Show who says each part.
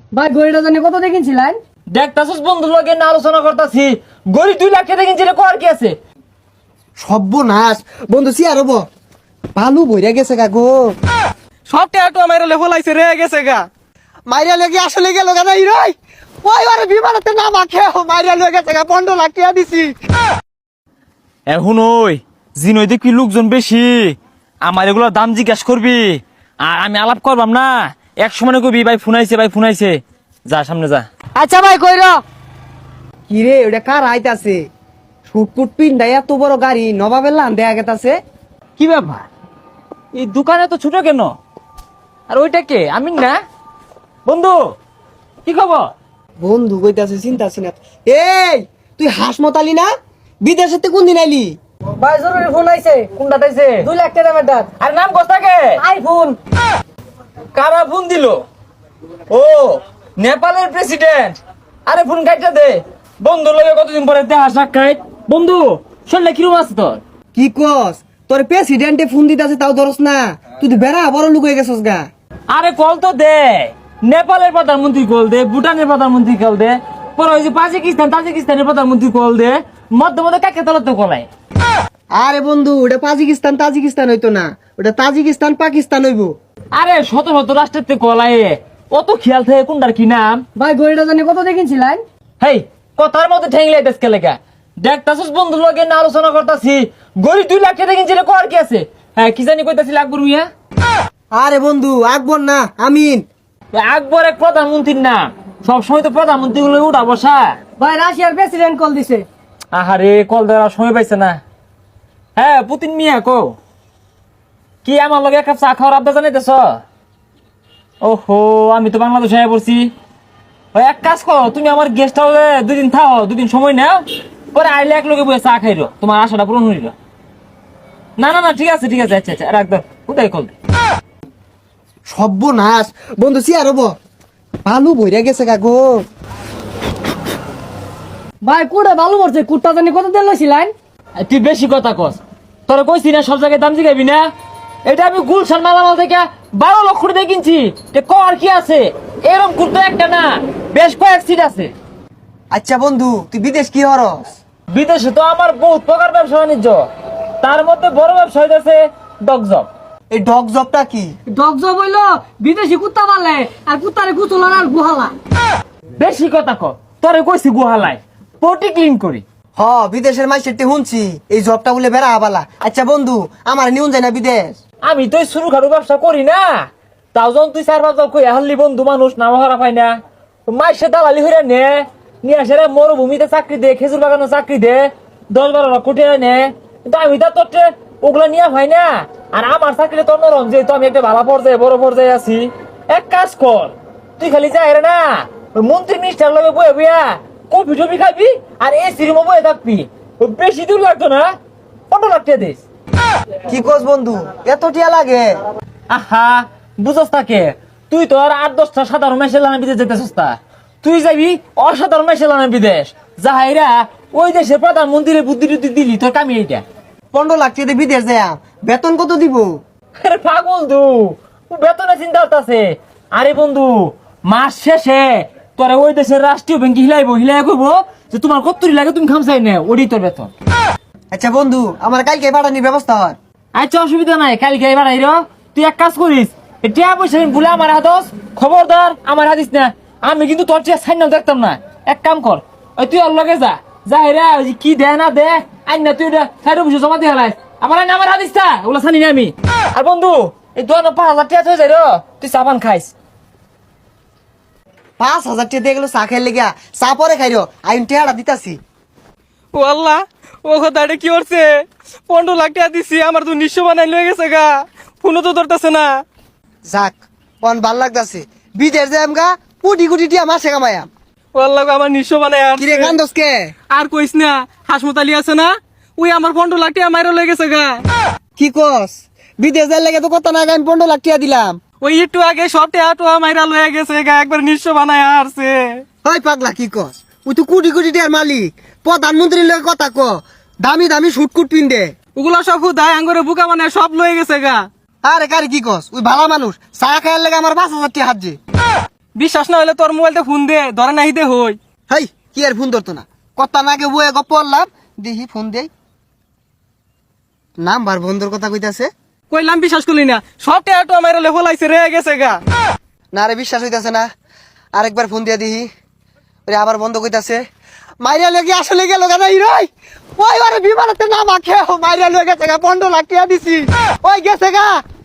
Speaker 1: ভাই গড়িটা জানি কত দেখিনছিলেন?
Speaker 2: দেখতাছিস বন্ধুর লগে না আলোচনা করতাছি, গড়ি 2 লাখ টাকা কিনছিলে, কর কি আছে?
Speaker 3: সর্বনাশ বন্ধু সিয়ার হবো বালু বইরা গেছে গা গো।
Speaker 4: সব টাকা আমার লেভেল আইছে রে গেছে গা।
Speaker 3: মাইরা লেগে আসলে গেল গা নাই রই ওই আরে বিমানতে না মাখে মাইরা লয়ে গেছে গা 15 লাখ টাকা দিছি।
Speaker 2: এখন ওই জিনই দেখবি লোকজন বেশি, আমার এগুলোর দাম জিজ্ঞাসা করবি, আর আমি আলাপ করবাম না। এক সময় কবি ভাই ফোনাইছে, ভাই ফোনাইছে, যা সামনে যা।
Speaker 1: আচ্ছা ভাই কইর।
Speaker 3: কি রে ওটা কার আইতাছে? শুটকুট পিন্ডাই এত বড় গাড়ি নবাবের লান দেয়া গেতাছে।
Speaker 2: কি ব্যাপার, এই দোকানে তো ছোট কেন? আর ওইটা কে? আমি না বন্ধু, কি খবর?
Speaker 3: বন্ধু কইতাছে চিন্তা না। এই তুই হাসমতালি না? বিদেশেতে কোন দিন আইলি?
Speaker 1: ভাই জরুরি ফোন আইছে।
Speaker 2: কোনটা তাইছে?
Speaker 1: 2 লাখ টাকা মেটার
Speaker 2: আর নাম কোথাকে?
Speaker 1: আইফোন।
Speaker 2: কারা ফোন দিল? ও নেপালের প্রেসিডেন্ট। আরে ফোন কাটটা দে, বন্ধু লগে কতদিন পরে দেখা সাক্ষাৎ। বন্ধু শরীরে কিরম আছে তোর?
Speaker 3: কি কস তোর প্রেসিডেন্টে ফোন দিতাছে তাও ধরস না? তুই তো বেড়া বড় লোক হয়ে গেছস গা।
Speaker 2: আরে কল তো দে, নেপালের প্রধানমন্ত্রী কল দে, ভুটানের প্রধানমন্ত্রী কল দে, পরে ওই যে তাজিকিস্তানের প্রধানমন্ত্রী কল দে, মধ্যে মধ্যে কাকে তলত কলায়।
Speaker 3: আরে বন্ধু ওটা তাজিকিস্তান হইতো না, ওটা তাজিকিস্তান পাকিস্তান হইবো।
Speaker 2: আরে শত শত রাষ্ট্রের কলায় অত খেয়াল থাকে কোনটার কি নাম।
Speaker 1: ভাই গড়িটা জানি কত দেখিনছিলেন?
Speaker 2: হেই কথার মধ্যে ঠেংলাই দেশকে লেখা, দেখতাছিস বন্ধুর লগে না আলোচনা করতাছি, গড়ি 2 লাখ টাকা কিনছিলে, কর কি আছে? হ্যাঁ কি জানি কইতাছিল আকবর মিয়া।
Speaker 3: আরে বন্ধু আকবর না আমিন।
Speaker 2: আকবর এক প্রধানমন্ত্রীর নাম, সবসময় তো প্রধানমন্ত্রী গুলো উঠা বসা।
Speaker 1: ভাই রাশিয়ার প্রেসিডেন্ট কল দিছে।
Speaker 2: আহারে কল দেওয়ার সময় পাইছে না। হ্যাঁ পুতিন মিয়া কো, কি আমার লগে এক কাপ চা খাওয়ার আবদা জানাইতেছ? ওহো আমি তো বাংলাদেশে আয়া পড়ছি। ওই এক কাজ করো, তুমি আমার গেস্ট হাউসে 2 দিন থাও, 2 দিন সময় নাও, পরে আইলে এক লগে বসে চা খাইরো, তোমার আশাটা পূরণ হইল। না না না ঠিক আছে ঠিক আছে, আচ্ছা আচ্ছা রাখ দাও, উঠাই কল।
Speaker 3: সর্বনাশ বন্ধু সিয়ার হবো বালু বইরা গেছে গা গো।
Speaker 1: ভাই কুড়ে ভালো করছে। কুটটা জানি কত দিন লইছিলেন?
Speaker 2: তুই বেশি কথা কস, তোরা কইছি না সব জায়গায় দাম জিগাবি না। এটা আমি গুলশান মালামাল থেকে 12 লক্ষ টাকা কিনছি, কর কি আছে? এরকম কুর্তা একটা না, বেশ কয়েক সিট আছে।
Speaker 3: আচ্ছা বন্ধু তুই বিদেশ কি হরস?
Speaker 2: বিদেশে তো আমার বহুত প্রকার ব্যবসা বাণিজ্য, তার মধ্যে বড় ব্যবসা হইতেছে ডগজব।
Speaker 3: এই ডগ জবটা কি?
Speaker 1: ডগ জব হইলো বিদেশি কুত্তা পালে আর কুত্তারে গুছলার আর গুহালা।
Speaker 2: বেশি কথা কর, তোরে কইছি গুহালায় পটি ক্লিন করি।
Speaker 3: হ বিদেশের মাইসেরতে শুনছি এই জবটা বলে বেড়া আবালা। আচ্ছা বন্ধু আমার নিউন যায় না বিদেশ?
Speaker 2: আমি তো শুরু খারু ব্যবসা করি না, তাও যখন তুই 4-5 জন কই হাল্লি বন্ধু মানুষ নাম হারা পাই না, মাইসে দালালি হইরা নে, নিয়ে আসে মরুভূমিতে চাকরি দে, খেজুর বাগানে চাকরি দে, 10-12 লাখ কোটি নে। কিন্তু আমি তো তোর ওগুলা নিয়ে হয় না। আর আমার চাকরিটা তোর নরম, যেহেতু আমি একটা ভালো পর্যায়ে বড় পর্যায়ে আছি। এক কাজ কর, তুই খালি যাই রে না, ওই মন্ত্রী মিনিস্টার লগে বয়ে বইয়া কফি টফি খাবি আর এসি রুমে বয়ে থাকবি। বেশি দূর লাগতো না, 15 লাখ টাকা দিস।
Speaker 3: কি কস বন্ধু এত টিয়া লাগে?
Speaker 2: আহা বুঝস তাকে, তুই তো আর 8-10টা সাধারণ মেশে লানা বিদেশ যেতেছিস তা, তুই যাবি অসাধারণ মেশে লানা বিদেশ। যাহাইরা ওই দেশের প্রধানমন্ত্রীর বুদ্ধি টুদ্ধি দিলি, তোর কামি এইটা।
Speaker 3: 15 লাখ টাকা দিয়ে বিদেশ যায় বেতন কত দিব?
Speaker 2: আরে পাগল তু, বেতনে চিন্তা করতেছে। আরে বন্ধু মাস শেষে তোরা ওই দেশের রাষ্ট্রীয় ব্যাংকে হিলাই কইবো যে তোমার কত্তরি লাগে তুমি খামসাই নে, ওডি তোর বেতন।
Speaker 3: আচ্ছা বন্ধু আমার কালকে পাঠানির ব্যবস্থা হয়?
Speaker 2: আচ্ছা অসুবিধা নাই, কালকে এবার আইরো। তুই এক কাজ করিস, টিয়া পয়সা ভুলে আমার হাতস, খবরদার আমার হাতিস না। আমি কিন্তু তোর টিয়া সাইন দেখতাম না। এক কাম কর, ওই তুই ওর লগে যা, যা হেরা ওই কি দে না দে আইন না, তুই সাইড অফিসে জমা দিয়ে হারাইস। আমার হাতিস না, ওগুলা জানি না আমি। আর বন্ধু এই 5,000 টাকা হয়ে যায়, তুই চাপান খাইস।
Speaker 3: 5,000 টাকা দিয়ে গেলো চা খাই লেগা, চা পরে খাইরো আইন টেহারা দিতাছি।
Speaker 4: ও আল্লাহ, ও কথাটা কি করছে? 15 লাখ টাকা দিছি, আমার তো নিঃস্ব বানাই লয়ে গেছে গা, ফোনও তো ধরতেছে না।
Speaker 3: যাক অন ভাল লাগতাছে, বিদেশ যাই আমগা কোটি কোটি টিয়া মাসে কামায়াম।
Speaker 4: ও আল্লাহ আমার নিঃস্ব বানাই আর
Speaker 3: কিরে কান্দস কে?
Speaker 4: আর কইস না, হাসমতালি আছে না, ওই আমার 15 লাখ টাকা মাইরা লয়ে গেছে গা।
Speaker 3: কি কস? বিদেশ যাই লাগে তো কত না আমি 15 লাখ টাকা দিলাম।
Speaker 4: ওই একটু আগে সব টাকা মাইরা লয়ে গেছে গা, একবার নিঃস্ব বানাই আসছে।
Speaker 3: হয় পাগলা কি কস? ওই তো কোটি কোটি টিয়ার মালিক, প্রধানমন্ত্রীর লগে কথা ক, দামি দামি শুটকুট পিন্দে।
Speaker 4: ওগুলা সব হুদায় আঙ্গরে বুকা বানায় সব লয়ে গেছে গা।
Speaker 3: আরে কারে কি কস? ওই ভালা মানুষ চা খাইয়ার লাগে আমার 5,000 টাকা হাত যে।
Speaker 4: বিশ্বাস না হলে তোর মোবাইলতে ফোন দে, ধরে নাই দে হই।
Speaker 3: হাই কি আর ফোন ধরতো না, কথা নাগে বয়ে গপ পড়লাম, দেখি ফোন দেই, নাম্বার বন্ধুর কথা কইতাছে।
Speaker 4: কইলাম বিশ্বাস করলি না, সব টাকা আমার লেভেল আইছে রে গেছে গা।
Speaker 3: না রে বিশ্বাস হইতাছে না, আরেকবার ফোন দিয়া দিহি, ওরে আবার বন্ধ কইতাছে। মাইরা লেগে আসলে গেল কেন রই, ওই আরে বিমানতে নাম আখে মাইরা লেগে গেছে গা, 15 লাখ টাকা দিছি, ওই গেছে গা।